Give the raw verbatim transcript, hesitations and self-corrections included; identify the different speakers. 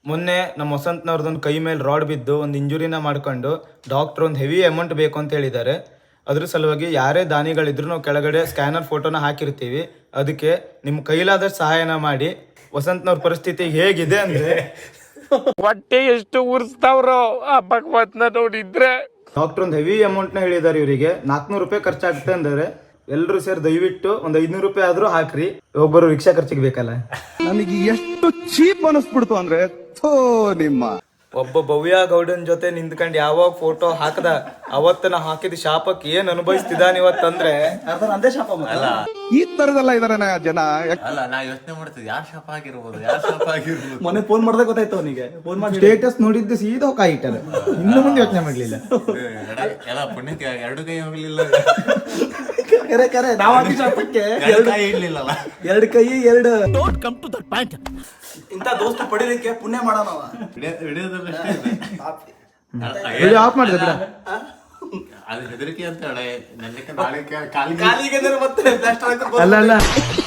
Speaker 1: ಮೊನ್ನೆ ನಮ್ಮ ವಸಂತನವ್ರದೊಂದು ಕೈ ಮೇಲೆ ರಾಡ್ ಬಿದ್ದು ಒಂದು ಇಂಜುರಿನ ಮಾಡ್ಕೊಂಡು ಡಾಕ್ಟರ್ ಒಂದು ಹೆವಿ ಅಮೌಂಟ್ ಬೇಕು ಅಂತ ಹೇಳಿದ್ದಾರೆ. ಅದ್ರ ಸಲುವಾಗಿ ಯಾರೇ ದಾನಿಗಳಿದ್ರು ನಾವು ಕೆಳಗಡೆ ಸ್ಕ್ಯಾನರ್ ಫೋಟೋನ ಹಾಕಿರ್ತೀವಿ. ಅದಕ್ಕೆ ನಿಮ್ಮ ಕೈಲಾದಷ್ಟು ಸಹಾಯನ ಮಾಡಿ. ವಸಂತನವ್ರ ಪರಿಸ್ಥಿತಿ ಹೇಗಿದೆ ಅಂದ್ರೆ
Speaker 2: ಹೊಟ್ಟೆ ಎಷ್ಟು ಉರ್ಸ್ತಾವ್ರೋ ಆ ಭಗವತ್ನ ನೋಡಿದ್ರೆ.
Speaker 1: ಡಾಕ್ಟರ್ ಒಂದು ಹೆವಿ ಅಮೌಂಟ್ನ ಹೇಳಿದ್ದಾರೆ. ಇವರಿಗೆ ನಾಲ್ಕುನೂರು ರೂಪಾಯಿ ಖರ್ಚಾಗುತ್ತೆ ಅಂದರೆ ಎಲ್ಲರೂ ಸೇರಿ ದಯವಿಟ್ಟು ಒಂದು ಐದ್ನೂರು ರೂಪಾಯಿ ಆದ್ರೂ ಹಾಕ್ರಿ. ಒಬ್ಬರು ರಿಕ್ಷಾ ಖರ್ಚಿಗೆ ಬೇಕಲ್ಲ.
Speaker 3: ನನಗೆ ಎಷ್ಟು ಚೀಪ್ ಅನಿಸ್ಬಿಡ್ತು ಅಂದ್ರೆ ಥೋ ನಿಮ್ಮ
Speaker 1: ಒಬ್ಬ ಭವ್ಯ ಗೌಡನ್ ಜೊತೆ ನಿಂತ್ಕೊಂಡು ಯಾವಾಗ ಫೋಟೋ ಹಾಕದ ಅವತ್ತ ನಾ ಹಾಕಿದ ಶಾಪಕ್ಕೆ ಏನ್ ಅನುಭವಿಸ್ತಿದ್ದಾನ ಇವತ್ತಂದ್ರೆ
Speaker 4: ಅಂದೇ ಶಾಪ
Speaker 5: ಅಲ್ಲ
Speaker 3: ಈ ತರದೆಲ್ಲ ಇದಾರೆ ಜನ.
Speaker 5: ಅಲ್ಲ ನಾ ಯೋಚನೆ ಮಾಡ್ತಿದ್ದೆ ಯಾರ್ ಶಾಪ ಆಗಿರ್ಬೋದು ಯಾರ್ ಶಾಪ ಆಗಿರ್ಬೋದು.
Speaker 4: ಮೊನ್ನೆ ಫೋನ್ ಮಾಡ್ದಾಗ ಗೊತ್ತಾಯ್ತು ಅವನಿಗೆ. ಫೋನ್ ಮಾಡಿ
Speaker 1: ಸ್ಟೇಟಸ್ ನೋಡಿದ್ದು ಸೀದಾ ಕಾಯಿ ಇಟ್ಟಾರೆ. ಇನ್ನು ಮುಂದೆ ಯೋಚನೆ ಮಾಡ್ಲಿಲ್ಲ.
Speaker 5: ಎಲ್ಲ ಪುಣ್ಯಕ್ಕೆ ಎರಡು ಕೈ ಹೋಗ್ಲಿಲ್ಲ,
Speaker 4: ಕರೆ ಕರೆ ನಾವ್ ಹಾಕಿ ಶಾಪಕ್ಕೆ
Speaker 5: ಎರಡು ಕೈ ಇಡ್ಲಿಲ್ಲಲ್ಲ.
Speaker 4: ಎರಡು ಕೈ ಎರಡು ಇಂತ ದೋಸ್ತ ಪಡಿಲಿಕ್ಕೆ ಪುಣ್ಯ ಮಾಡೋಣ.
Speaker 1: ವಿಡಿಯೋ ಆಫ್ ಮಾಡಿದೆ ಬಿಡ.
Speaker 5: ಅದು ಹೆದರಿಕೆ ಅಂತ ಹೇಳಿ ನನ್ನ ನಾಳೆ ಕಾಲಿಗೆ
Speaker 4: ಕಾಲಿಗೆ ಮತ್ತೆ ಪ್ಲಾಸ್ಟರ್ ಹಾಕಿ
Speaker 1: ಅಲ್ಲ ಅಲ್ಲ